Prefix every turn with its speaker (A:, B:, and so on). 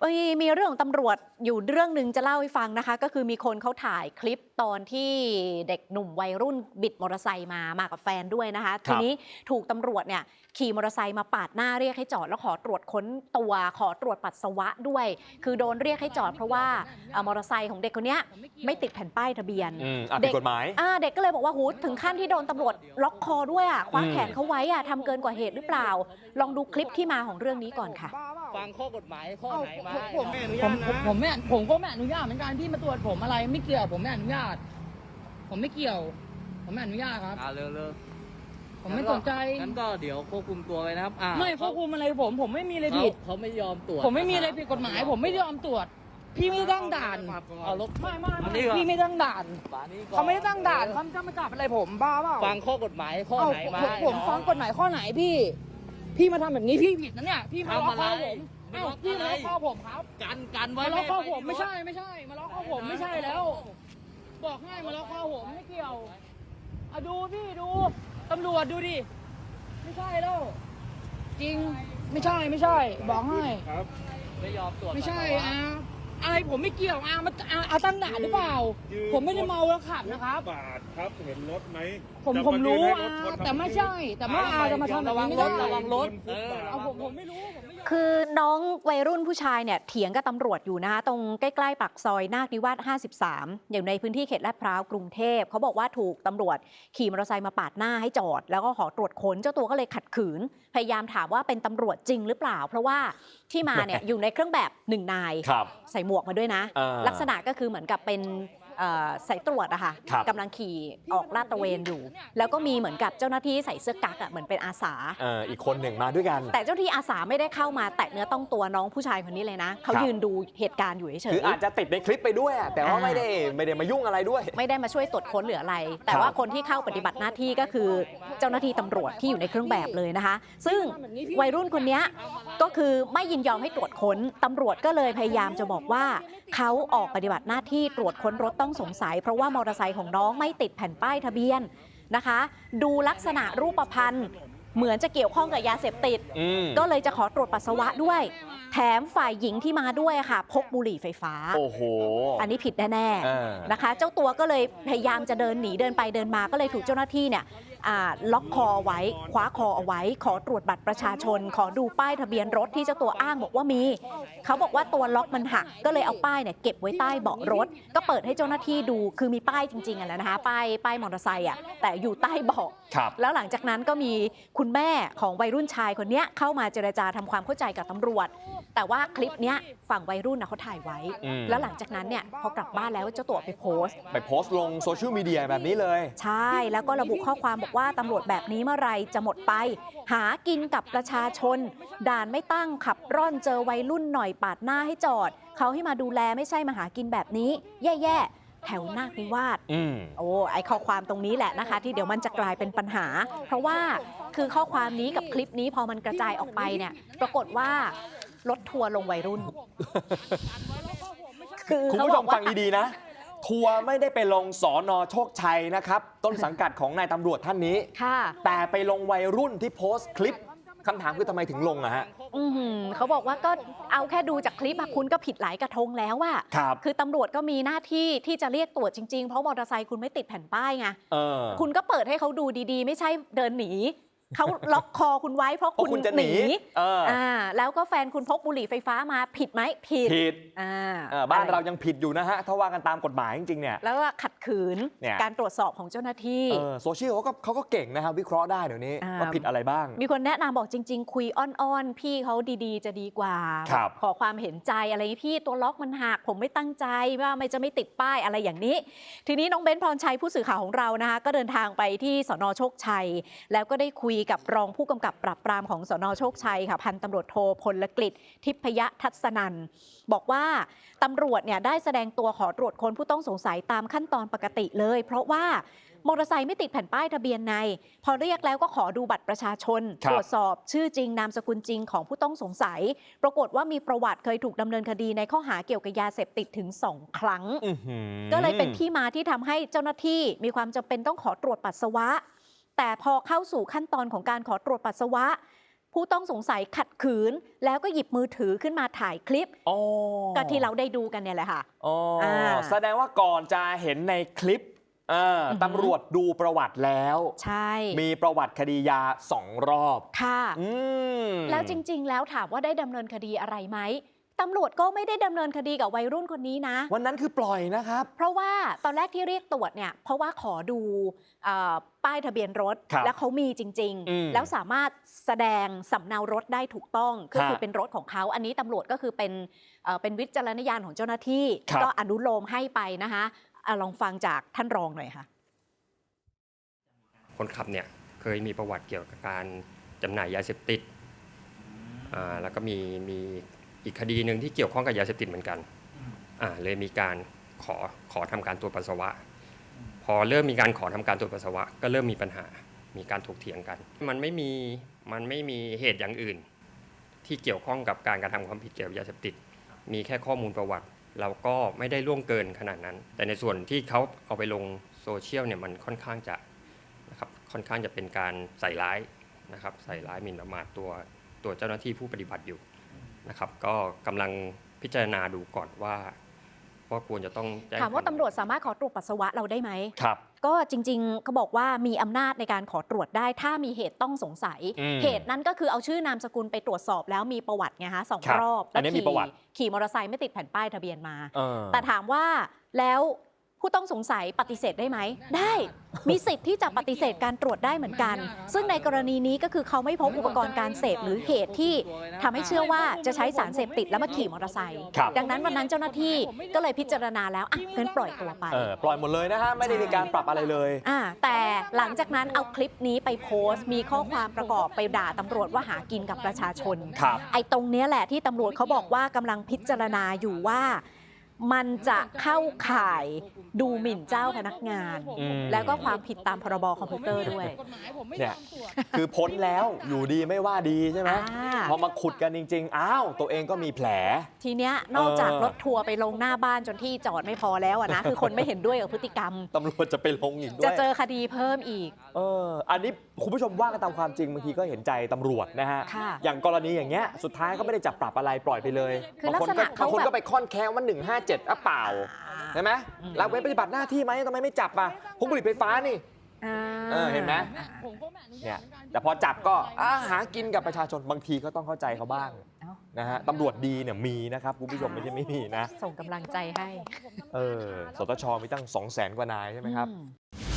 A: มีเรื่องของตำรวจอยู่เรื่องหนึ่งจะเล่าให้ฟังนะคะก็คือมีคนเขาถ่ายคลิปตอนที่เด็กหนุ่มวัยรุ่นบิดมอเตอร์ไซค์มากับแฟนด้วยนะคะทีนี้ถูกตำรวจเนี่ยขี่มอเตอร์ไซค์มาปาดหน้าเรียกให้จอดแล้วขอตรวจค้นตัวขอตรวจปัสสาวะด้วยคือโดนเรียกให้จอดเพราะว่ามอเตอร์ไซค์ของเด็กคนนี้ไม่ติดแผ่นป้ายทะเบียน
B: ผิดกฎหมาย
A: เด็กก็เลยบอกว่าหูถึงขั้นที่โดนตำรวจล็อกคอด้วยคว้าแขนเขาไว้ทำเกินกว่าเหตุหรือเปล่าลองดูคลิปที่มาของเรื่องนี้ก่อนค่ะ
C: ฟังข้อกฎหมายข้อไหนมา
D: ผมก็ไม่อนุญาตเหมือนกันที่มาตรวจผมอะไรไม่เกี่ยวผมไม่อนุญาตผมไม่เกี่ยวผมไม่อนุญาตครับ
C: เร็ว
D: ผมไม่สนใจ
C: งั้นก็เดี๋ยวควบคุมตัวไว้นะครับ
D: ไม่ควบคุมอะไรผมไม่มีอะไรผิด
C: เขาไม่ยอมตรวจ
D: ผมไม่มีอะไรผิดกฎหมายผมไม่ยอมตรวจพี่ไม่ตั้งด่านไม่พี่ไม่ตั้งด่านเขาไม่ได้ตั้งด่านเขาจะมาจับอะไรผมบ้าเปล่า
C: ฟังข้อกฎหมายข้อไหนมา
D: ผมฟังกฎหมายข้อไหนพี่มาทำแบบนี้พี่ผิดนะเนี่ยพี่มาล็อกคอผมพี่มาล็อกคอผมครับ
C: กันไว้
D: มาล็อกคอผมไม่ใช่มาล็อกคอผมไม่ใช่แล้วบอกให้มาล็อกคอผมไม่เกี่ยวดูพี่ดูตำรวจดูดิไม่ใช่แล้วจริงไม่ใช่บอกให้
C: ไม่ยอมตรวจ
D: ไม่ใช่อะไรผมไม่เกี่ยวมาตั้งด่านหรือเปล่าผมไม่ได้เมาแล้วขับนะครับ
E: บาทครับเห็นรถไหม
D: ผมรู้แต่ไม่ใช่แต่ว่าจะมาทำแบบนี้ไม่ได้
C: ระวังรถ
D: ผมไม่รู้
A: คือน้องวัยรุ่นผู้ชายเนี่ยเถียงกับตำรวจอยู่นะคะตรงใกล้ๆปากซอยนาคนิวาส53อย่างในพื้นที่เขตลาดพร้าวกรุงเทพเขาบอกว่าถูกตำรวจขี่มอเตอร์ไซค์มาปาดหน้าให้จอดแล้วก็ขอตรวจค้นเจ้าตัวก็เลยขัดขืนพยายามถามว่าเป็นตำรวจจริงหรือเปล่าเพราะว่าที่มาเนี่ย อยู่ในเครื่องแบบ1 นายใส่หมวกมาด้วยนะลักษณะก็คือเหมือนกับเป็นสายตรวจอะค่ะกำลังขี่ออกลาดตระเวนอยู่แล้วก็มีเหมือนกับเจ้าหน้าที่ใส่เสื้อกั๊กเหมือนเป็นอาสา
B: อีกคนหนึ่งมาด้วยกัน
A: แต่เจ้าที่อาสาไม่ได้เข้ามาแตะเนื้อต้องตัวน้องผู้ชายคนนี้เลยนะเขายืนดูเหตุการณ์อยู่เฉย
B: คืออาจจะติดในคลิปไปด้วยแต่ว่าไม่ได้มายุ่งอะไรด้วย
A: ไม่ได้มาช่วยตรวจค้นหรืออะไรแต่ว่าคนที่เข้าปฏิบัติหน้าที่ก็คือเจ้าหน้าที่ตำรวจที่อยู่ในเครื่องแบบเลยนะคะซึ่งวัยรุ่นคนนี้ก็คือไม่ยินยอมให้ตรวจค้นตำรวจก็เลยพยายามจะบอกว่าเขาออกปฏิบัติหน้าที่ตรวจค้นรถต้องสงสัยเพราะว่ามอเตอร์ไซค์ของน้องไม่ติดแผ่นป้ายทะเบียนนะคะดูลักษณะรูปพรรณเหมือนจะเกี่ยวข้องกับยาเสพติดก็เลยจะขอตรวจปัสสาวะด้วยแถมฝ่ายหญิงที่มาด้วยค่ะพกบุหรี่ไฟฟ้า
B: โอ้โห
A: อันนี้ผิดแน่ๆนะคะเจ้าตัวก็เลยพยายามจะเดินหนีเดินไปเดินมาก็เลยถูกเจ้าหน้าที่เนี่ยล็อกคอไว้คว้าคอเอาไว้ขอตรวจบัตรประชาชนขอดูป้ายทะเบียนรถที่เจ้าตัวอ้างบอกว่ามีเขาบอกว่าตัวล็อกมันหักก็เลยเอาป้ายเนี่ยเก็บไว้ใต้เบาะรถก็เปิดให้เจ้าหน้าที่ดูคือมีป้ายจริงๆนะคะป้ายมอเตอร์ไซค์แต่อยู่ใต้เบาะแล้วหลังจากนั้นก็มีคุณแม่ของวัยรุ่นชายคนนี้เข้ามาเจรจาทำความเข้าใจกับตำรวจแต่ว่าคลิปเนี้ยฝั่งวัยรุ่นเขาถ่ายไว้แล้วหลังจากนั้นเนี่ยพอกลับบ้านแล้วเจ้าตัวไปโพสต์
B: ลงโซเชียลมีเดียแบบนี้เลย
A: ใช่แล้วก็ระบุข้อความบอกว่าตำรวจแบบนี้เมื่อไรจะหมดไปหากินกับประชาชนด่านไม่ตั้งขับร่อนเจอวัยรุ่นหน่อยปาดหน้าให้จอดเขาให้มาดูแลไม่ใช่มาหากินแบบนี้แย่ๆแถวนาคนิวาสไอข้อความตรงนี้แหละนะคะที่เดี๋ยวมันจะกลายเป็นปัญหาเพราะว่าคือข้อความนี้กับคลิปนี้พอมันกระจายออกไปเนี่ยปรากฏว่ารถทัวร์ลงวัยรุ่น
B: คุณผู้ชมฟังดีๆนะทัวร์ไม่ได้ไปลงสน.โชคชัยนะครับต้นสังกัดของนายตำรวจท่านนี้แต่ไปลงวัยรุ่นที่โพสต์คลิปคำถามคือทำไมถึงลงฮะ
A: เขาบอกว่าก็เอาแค่ดูจากคลิปคุณก็ผิดหลายกระทงแล้วคือตำรวจก็มีหน้าที่ที่จะเรียกตรวจจริงๆเพราะมอเตอร์ไซค์คุณไม่ติดแผ่นป้ายไงคุณก็เปิดให้เขาดูดีๆไม่ใช่เดินหนีเขาล็อกคอคุณไว้เพราะคุณ
B: จะหนี
A: แล้วก็แฟนคุณพกบุหรี่ไฟฟ้ามาผิดไหมผิด
B: บ้านเรายังผิดอยู่นะฮะถ้าว่ากันตามกฎหมายจริงๆเนี่ย
A: แล้วก็ขัดขืนการตรวจสอบของเจ้าหน้าที่
B: โซเชียลเขาก็เก่งนะครับวิเคราะห์ได้เดี๋ยวนี้ว่าผิดอะไรบ้าง
A: มีคนแนะนำบอกจริงๆคุยอ้อนๆพี่เขาดีๆจะดีกว่าขอความเห็นใจอะไรพี่ตัวล็อกมันหักผมไม่ตั้งใจว่าไม่ติดป้ายอะไรอย่างนี้ทีนี้น้องเบ้นพรชัยผู้สื่อข่าวของเรานะคะก็เดินทางไปที่สน.โชคชัยแล้วก็ได้คุยกับรองผู้กำกับปราบปรามของสน.โชคชัยค่ะพันตำรวจโทพลกฤษทิพยทัศนันท์บอกว่าตำรวจเนี่ยได้แสดงตัวขอตรวจค้นผู้ต้องสงสัยตามขั้นตอนปกติเลยเพราะว่ามอเตอร์ไซค์ไม่ติดแผ่นป้ายทะเบียนในพอเรียกแล้วก็ขอดูบัตรประชาชนตรวจสอบชื่อจริงนามสกุลจริงของผู้ต้องสงสัยปรากฏว่ามีประวัติเคยถูกดำเนินคดีในข้อหาเกี่ยวกับยาเสพติดถึง2 ครั้งก็เลยเป็นที่มาที่ทำให้เจ้าหน้าที่มีความจำเป็นต้องขอตรวจปัสสาวะแต่พอเข้าสู่ขั้นตอนของการขอตรวจปัสสาวะผู้ต้องสงสัยขัดขืนแล้วก็หยิบมือถือขึ้นมาถ่ายคลิป
B: อ๋อ
A: ก็ที่เราได้ดูกันเนี่ยแหละค่ะ
B: อ๋ออา แสดงว่าก่อนจะเห็นในคลิปตำรวจดูประวัติแล้ว
A: ใช่
B: มีประวัติคดียา2 รอบ
A: ค่ะ
B: ม
A: แล้วจริงๆแล้วถามว่าได้ดำเนินคดีอะไรไหมตำรวจก็ไม่ได้ดำเนินคดีกับวัยรุ่นคนนี้นะ
B: วันนั้นคือปล่อยนะครับ
A: เพราะว่าตอนแรกที่เรียกตรวจเนี่ยเพราะว่าขอดูป้ายทะเบียนรถ
B: ครับ
A: แล้วเขามีจริง ๆ แล้วสามารถแสดงสำเนารถได้ถูกต้องก็คือเป็นรถของเขาอันนี้ตำรวจก็คือเป็นวิจารณญาณของเจ้าหน้าที่
B: ครับ
A: ก็อนุโลมให้ไปนะคะลองฟังจากท่านรองหน่อยค่ะ
F: คนขับเนี่ยเคยมีประวัติเกี่ยวกับการจำหน่ายยาเสพติดแล้วก็มีอีกคดีหนึ่งที่เกี่ยวข้องกับยาเสพติดเหมือนกันเลยมีการขอทำการตรวจปัสสาวะ พอเริ่มมีการขอทำการตรวจปัสสาวะก็เริ่มมีปัญหา มีการถกเถียงกัน มันไม่มีเหตุอย่างอื่น ที่เกี่ยวข้องกับการกระทำความผิดเกี่ยวกับยาเสพติด มีแค่ข้อมูลประวัติ เราก็ไม่ได้ล่วงเกินขนาดนั้น แต่ในส่วนที่เขาเอาไปลงโซเชียลเนี่ยมันค่อนข้างจะเป็นการใส่ร้ายนะครับใส่ร้ายหมิ่นประมาทตัวเจ้าหน้าที่ผู้ปฏิบัติอยู่นะครับก็กำลังพิจารณาดูก่อนว่าควรจะต้องแจ้ง
A: ถามว่าตำรวจสามารถขอตรวจปัสสาวะเราได้ไหม
B: ครับ
A: ก็จริงๆเขาบอกว่ามีอำนาจในการขอตรวจได้ถ้ามีเหตุต้องสงสัย เหตุนั้นก็คือเอาชื่อนามสกุลไปตรวจสอบแล้วมีประวัติไงฮะ2 รอบ
B: อันนี้มีประวัติ
A: ขี่มอเตอร์ไซค์ไม่ติดแผ่นป้ายทะเบียนมา
B: เออ
A: แต่ถามว่าแล้วผู้ต้องสงสัยปฏิเสธได้ไหม ได้มีสิทธิ์ที่จะปฏิเสธการตรวจได้เหมือนกัน ซึ่งในกรณีนี้ก็คือเขาไม่พบอุปกรณ์การเสพหรือเหตุที่ทำให้เชื่อว่าจะใช้สารเสพติดแล้วมาขี่มอเตอร์ไซค์
B: ครับ
A: ดังนั้นวันนั้นเจ้าหน้าที่ก็เลยพิจารณาแล้วอ่ะงั้นปล่อยตัวไป
B: ปล่อยหมดเลยนะฮะไม่ได้มีการปรับอะไรเลย
A: แต่หลังจากนั้นเอาคลิปนี้ไปโพสต์ มีข้อความประกอบไปด่าตำรวจว่าหากินกับประชาชน
B: ครับ
A: ไอ้ตรงเนี้ยแหละที่ตำรวจเขาบอกว่ากำลังพิจารณาอยู่ว่ามันจะเข้าข่ายดูหมิ่นเจ้าพนักงาน แล้วก็ความผิดตามพรบคอมพิวเตอร์ด้วย
B: เนี่ยคือพ้นแล้วอยู่ดีไม่ว่าดีใช่ไหม พอมาขุดกันจริงๆอ้าวตัวเองก็มีแผล
A: ทีเนี้ยนอกจากรถทัวร์ไปลงหน้าบ้านจนที่จอดไม่พอแล้วนะ คือคนไม่เห็นด้วยกับพฤติกรรม
B: ตำรวจจะไปลงอีกด้วย
A: จะเจอคดีเพิ่มอีก
B: อันนี้คุณผู้ชมว่ากันตามความจริงบางทีก็เห็นใจตำรวจนะฮะ
A: ค่ะ
B: อย่างกรณีอย่างเงี้ยสุดท้ายก็ไม่ได้จับปรับอะไรปล่อยไปเลย
A: คือลักษณะ
B: บางคน
A: เขาแบบ
B: ก็ไปค่อนแค้นว่า157อ่ะเปล่าใช่ไหมละเว้นปฏิบัติหน้าที่ไหมทำไมไม่จับอ่ะพวกบุหรี่ไฟฟ้านี่ เห็นไหม เนี่ยแต่พอจับก็หากินกับประชาชนบางทีก็ต้องเข้าใจเขาบ้างนะฮะตำรวจดีเนี่ยมีนะครับคุณผู้ชมไม่ใช่ไม่มีนะ
A: ส่งกำลังใจให้
B: สตชมีตั้ง 200,000 กว่านายใช่ไหมครับ
A: อืม